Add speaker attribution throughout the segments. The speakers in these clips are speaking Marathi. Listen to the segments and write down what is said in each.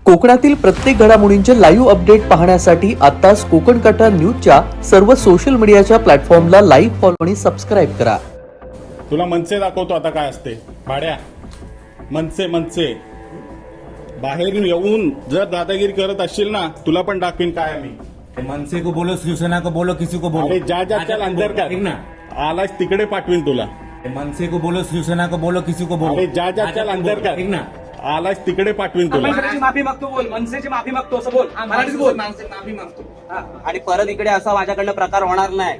Speaker 1: कोकणातील प्रत्येक घडामोडींचे लाईव्ह अपडेट पाहण्यासाठी आताच कोकण कट्टा न्यूजच्या सर्व सोशल मीडियाच्या प्लॅटफॉर्मला लाईक, फॉलो आणि सबस्क्राईब करा.
Speaker 2: तुला मनसे दाखवतो आता काय असते. भाड्या मनसे बाहेर येऊन जर दादागिरी करत असशील ना, तुला पण दाखवीन काय आम्ही.
Speaker 3: मनसे को बोलो, शिवसेना को बोलो, किसी को बोलो.
Speaker 2: अरे जा चल अंदर कर.
Speaker 3: ठीक ना.
Speaker 2: आलास तिकडे पाठवीन तुला.
Speaker 3: मनसे को बोलो, शिवसेना को बोलो, किसी को बोलो.
Speaker 2: अरे जा चल अंदर कर.
Speaker 3: ठीक ना.
Speaker 2: आलास तिकडे पाठवीन तुला.
Speaker 4: मनसेची माफी मागतो बोल, मनसेची माफी मागतो असं बोल, मराठीत बोल.
Speaker 5: माफी मागतो.
Speaker 4: आणि परत इकडे असा माझ्याकडनं प्रकार होणार नाही.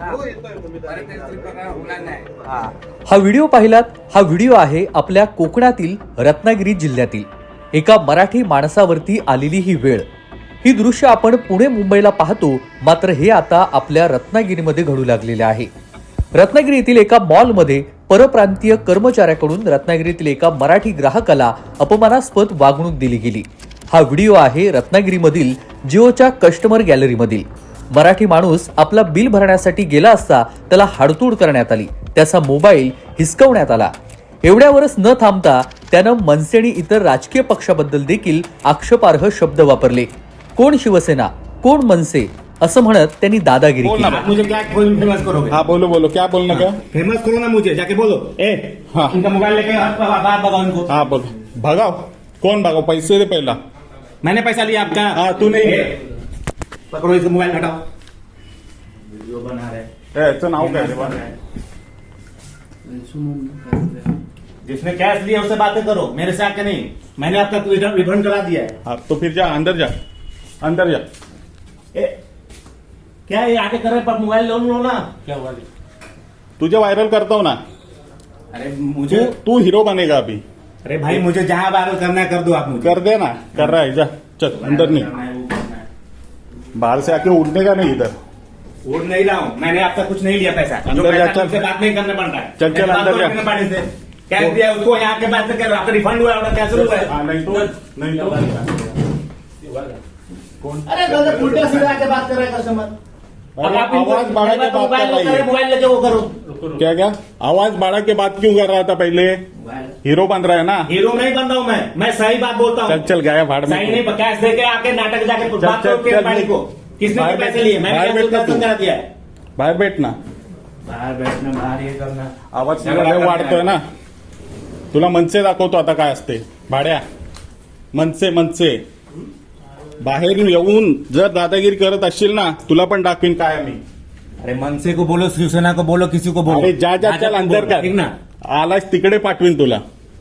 Speaker 1: हा व्हिडिओ पाहिलात. हा व्हिडिओ आहे आपल्या कोकणातील रत्नागिरी जिल्ह्यातील एका मराठी माणसावरती आलेली ही वेळ. ही दृश्य आपण पुणे मुंबईला पाहतो, मात्र हे आता आपल्या रत्नागिरीमध्ये घडू लागलेले आहे. रत्नागिरी येथील एका मॉलमध्ये परप्रांतीय कर्मचाऱ्याकडून रत्नागिरीतील एका मराठी ग्राहकाला अपमानास्पद वागणूक दिली गेली. हा व्हिडिओ आहे रत्नागिरीमधील जिओच्या कस्टमर गॅलरीमधील. मराठी माणूस आपला बिल भरण्यासाठी गेला असता त्याला हाडतूड करण्यात आली, त्याचा मोबाईल हिसकवण्यात आला. एवढ्यावरच न थांबता त्यानं मनसे आणि इतर राजकीय पक्षाबद्दल देखील आक्षेपार्ह शब्द वापरले. कोण शिवसेना, कोण मनसे असं म्हणत त्यांनी दादागिरी केली.
Speaker 3: मुझे क्या फेमस करोगे?
Speaker 2: हा बोलो क्या बोलना का.
Speaker 3: फेमस करो ना मुझे, जाके बोलो.
Speaker 2: हाँ.
Speaker 3: इनका मोबाइल लेके बात भगाओ इनको.
Speaker 2: हा बोल. भगाव कोण भगाव? पैसे दे पहिला.
Speaker 3: मैंने पैसा लिया आपका.
Speaker 2: हाँ तू नहीं.
Speaker 3: पकड़ो इसका मोबाइल, हटाओ. वीडियो बना रहे.
Speaker 2: याचं नाव काय रे बा?
Speaker 3: जिसने कैश लिया उससे बातें करो, मेरे से आके नहीं. मैंने आपका रिफंड करा दिया है.
Speaker 2: हाँ तो फिर जा अंदर जा.
Speaker 3: क्या ये आके कर रहे पर मोबाइल लो ना. क्या हुआ?
Speaker 2: तुझे वायरल करता हूँ ना.
Speaker 3: अरे मुझे
Speaker 2: तू हीरो बनेगा अभी.
Speaker 3: अरे भाई मुझे जहाँ वायरल करना है कर दो आप मुझे.
Speaker 2: कर दे ना. कर रहा है. जा चल अंदर नहीं. बाहर से आके उड़ने का नहीं इधर.
Speaker 3: उड़ नहीं रहा हूँ, मैंने आपका कुछ नहीं लिया पैसा.
Speaker 2: अंदर
Speaker 3: जो पैसा
Speaker 2: जा, चल.
Speaker 3: तुमसे बात नहीं करना पड़ रहा है.
Speaker 2: चल, चल, अंदर जा.
Speaker 3: पानी से कैश दिया उसको, यहाँ के बात कर आपका रिफंड हुआ है, कैसे हुआ है?
Speaker 2: हाँ, नहीं तो कौन?
Speaker 3: अरे गलत उल्टा सीधा आके बात कर रहे हैं कस्टमर.
Speaker 2: अरे आवाज बढ़ा के बात कर रही है.
Speaker 3: मोबाइल लेके वो करो.
Speaker 2: क्या आवाज बढ़ा के बात क्यों कर रहा था पहले? हीरो बन रहा है ना.
Speaker 3: हीरो नहीं बन रहा हूँ मैं सही बात बोलता हूँ.
Speaker 2: चल गया भाड़ में.
Speaker 3: सही नहीं, कैश दे के आके नाटक जाके बात
Speaker 2: चल,
Speaker 3: करो के
Speaker 2: चल,
Speaker 3: पानी को. किसने
Speaker 2: बाहर
Speaker 3: पैसे
Speaker 2: बैठ,
Speaker 3: लिए? मैंने
Speaker 2: बाहर बैठ ना तू.
Speaker 3: करा दिया है.
Speaker 2: बाहेर बैठ ना.
Speaker 3: बाहर बैठना, बाहर ये करना.
Speaker 2: आवाज सगळं वाढतोय ना. तुला मनसे दाखवतो आता काय असते. भाड्या मनसे बाहेर येऊन जर दादागिरी करत असशील ना, तुला पण दाखवीन काय आम्ही.
Speaker 3: अरे मनसे को बोलो, शिवसेना को बोलो, किसी को बोलो.
Speaker 2: अरे जा चल अंदर कर.
Speaker 3: ठीक ना.
Speaker 2: आलास तिकडे पाठवीन तुला.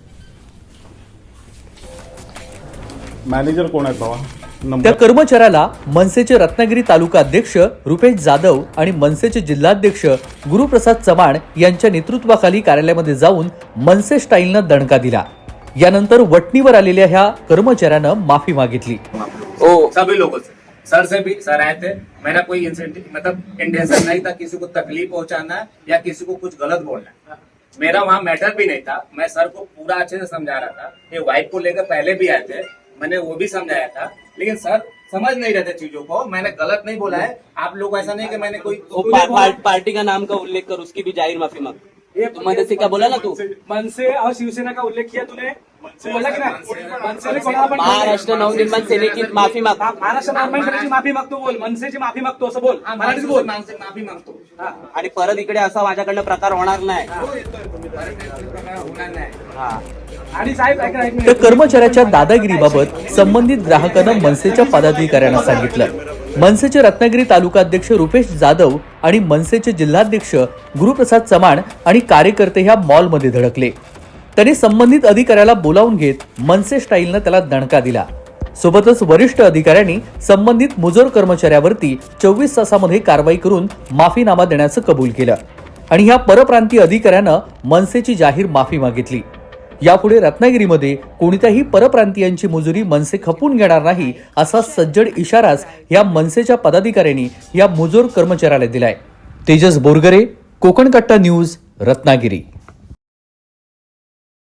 Speaker 2: मॅनेजर कोण आहेत बाबा?
Speaker 1: त्या
Speaker 2: नंबर.
Speaker 1: कर्मचाऱ्याला मनसेचे रत्नागिरी तालुका अध्यक्ष रुपेश जाधव आणि मनसेचे जिल्हाध्यक्ष गुरुप्रसाद चव्हाण यांच्या नेतृत्वाखाली कार्यालयामध्ये जाऊन मनसे स्टाईलनं दणका दिला. यानंतर वटणीवर आलेल्या ह्या कर्मचाऱ्यानं माफी मागितली.
Speaker 5: सभी लोगों से, सर से भी सर आए थे. मेरा कोई इंटेंशन नहीं था किसी को तकलीफ पहुंचाना या किसी को कुछ गलत बोलना. मेरा वहाँ मैटर भी नहीं था. मैं सर को पूरा अच्छे से समझा रहा था. ये वाइफ को लेकर पहले भी आए थे, मैंने वो भी समझाया था, लेकिन सर समझ नहीं रहे थे चीजों को. मैंने गलत नहीं बोला है. आप लोग ऐसा नहीं कि मैंने कोई
Speaker 6: पार्टी का नाम का उल्लेख कर उसकी भी जाहिर माफी मांग. मनसे का बोला ना तू.
Speaker 4: मनसे और शिवसेना का उल्लेख किया तूने. बोला की नाही? मनसेने कोणाला पण
Speaker 6: महाराष्ट्र नवनिर्माण सेनेची माफी माग.
Speaker 4: महाराष्ट्र नवनिर्माण सेनेची माफी मागतो बोल, मनसेची माफी मागतो असं बोल, मराठीत बोल.
Speaker 5: माफी मागतो.
Speaker 6: आणि परत इकडे असा माझ्याकडनं प्रकार होणार नाही.
Speaker 5: होणार नाही.
Speaker 4: आणि साहेब ऐका एक
Speaker 1: त्या
Speaker 4: मिनिट.
Speaker 1: कर्मचाऱ्याच्या दादागिरीबाबत संबंधित ग्राहकानं मनसेच्या पदाधिकाऱ्यांना सांगितलं. मनसेचे रत्नागिरी तालुका अध्यक्ष रुपेश जाधव आणि मनसेचे जिल्हाध्यक्ष गुरुप्रसाद चव्हाण आणि कार्यकर्ते ह्या मॉलमध्ये धडकले. त्यांनी संबंधित अधिकाऱ्याला बोलावून घेत मनसे स्टाईलनं त्याला दणका दिला. सोबतच वरिष्ठ अधिकाऱ्यांनी संबंधित मुजोर कर्मचाऱ्यावरती 24 तासामध्ये कारवाई करून माफीनामा देण्याचं कबूल केलं आणि ह्या परप्रांतीय अधिकाऱ्यानं मनसेची जाहीर माफी मागितली. यापुढे रत्नागिरीमध्ये कोणत्याही परप्रांतीयांची मुजुरी मनसे खपून घेणार नाही असा सज्जड इशाराच या मनसेच्या पदाधिकाऱ्यांनी या मुजोर कर्मचाऱ्याला दिलाय. तेजस बोरगरे, कोकण कट्टा न्यूज, रत्नागिरी.